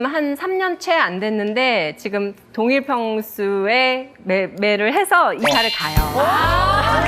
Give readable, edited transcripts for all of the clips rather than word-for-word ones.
한 3년 채 안 됐는데 지금 동일 평수에 매를 해서 이사를 가요.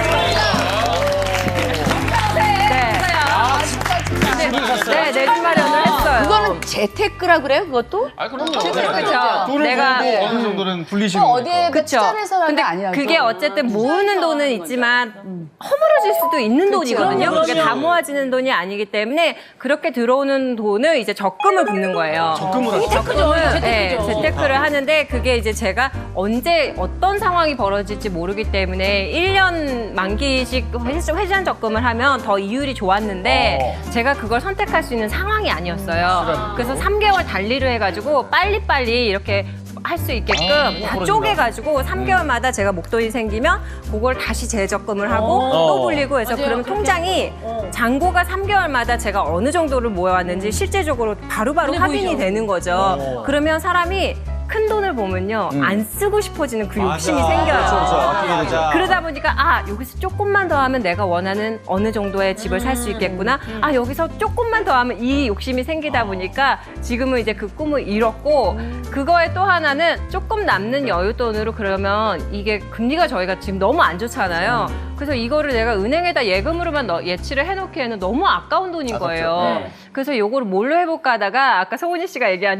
네, 내주 마련을 했어요. 그거는 재테크라 그래요, 그것도? 아, 그럼요. 그렇죠. 돈을 내가 벌고 어느 정도는 불리시는 거니까. 어디에 그쵸. 투자해서 하는 근데 게 아니야. 그게 어쨌든 모으는 돈은 있지만 허물어질 수도 있는 돈이거든요. 그럼요. 그게 다 모아지는 돈이 아니기 때문에 그렇게 들어오는 돈을 이제 적금을 붓는 거예요. 적금을 하죠. 적금을 네, 재테크를 하는데 그게 이제 제가 언제 어떤 상황이 벌어질지 모르기 때문에 1년 만기식 회전 적금을 하면 더 이율이 좋았는데 제가 그걸 선택할 수 있는 상황이 아니었어요. 그래서 3개월 달리를 해가지고 빨리빨리 이렇게 할 수 있게끔 다 쪼개가지고 3개월마다 제가 목돈이 생기면 그걸 다시 재적금을 하고 또 불리고 해서 그러면 통장이 잔고가 3개월마다 제가 어느 정도를 모아왔는지 실제적으로 바로바로 확인이 되는 거죠. 그러면 사람이 큰 돈을 보면요 안 쓰고 싶어지는 그 욕심이 생겨요. 그러다 보니까 아 여기서 조금만 더 하면 내가 원하는 어느 정도의 집을 살 수 있겠구나. 아 여기서 조금만 더 하면 이 욕심이 생기다 보니까 지금은 이제 그 꿈을 잃었고 그거에 또 하나는 조금 남는 여윳돈으로 그러면 이게 금리가 저희가 지금 너무 안 좋잖아요. 그래서 이거를 내가 은행에다 예금으로만 예치를 해놓기에는 너무 아까운 돈인 거예요. 그래서 요거를 뭘로 해볼까 하다가 아까 성훈이 씨가 얘기한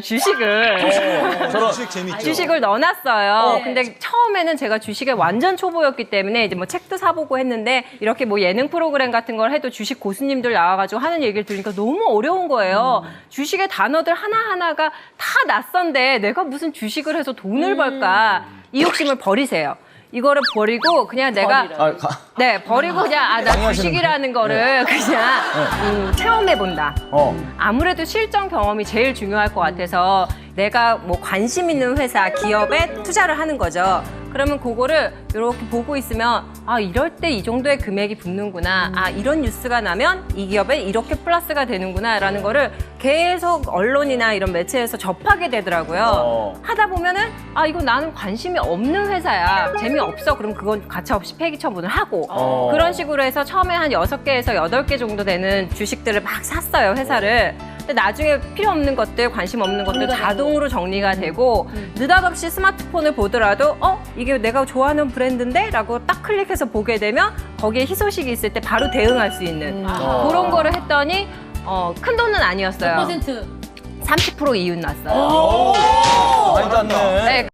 주식을 주식 재밌죠. 주식을 넣어놨어요. 근데 처음에는 제가 주식에 완전 초보였기 때문에 이제 뭐 책도 사보고 했는데 이렇게 뭐 예능 프로그램 같은 걸 해도 주식 고수님들 나와가지고 하는 얘기를 들으니까 너무 어려운 거예요. 주식의 단어들 하나하나가 다 낯선데 내가 무슨 주식을 해서 돈을 벌까. 이 욕심을 버리세요. 이거를 버리고 그냥 내가 버리고 그냥 나 주식이라는 거를 그냥 체험해 본다. 아무래도 실전 경험이 제일 중요할 것 같아서 내가 뭐 관심 있는 회사, 기업에 투자를 하는 거죠. 그러면 그거를 이렇게 보고 있으면 아 이럴 때 이 정도의 금액이 붙는구나. 아 이런 뉴스가 나면 이 기업에 이렇게 플러스가 되는구나 라는 거를 계속 언론이나 이런 매체에서 접하게 되더라고요. 하다 보면은 아 이거 나는 관심이 없는 회사야. 재미없어. 그럼 그건 가차없이 폐기 처분을 하고 그런 식으로 해서 처음에 한 6개에서 8개 정도 되는 주식들을 막 샀어요. 회사를. 근데 나중에 필요 없는 것들, 관심 없는 것들 자동으로 정리가 되고 느닷없이 스마트폰을 보더라도 이게 내가 좋아하는 브랜드인데? 라고 딱 클릭해서 보게 되면 거기에 희소식이 있을 때 바로 대응할 수 있는 그런 거를 했더니 큰 돈은 아니었어요. 몇 퍼센트? 30% 이윤 났어요. 많이 땄네. 네.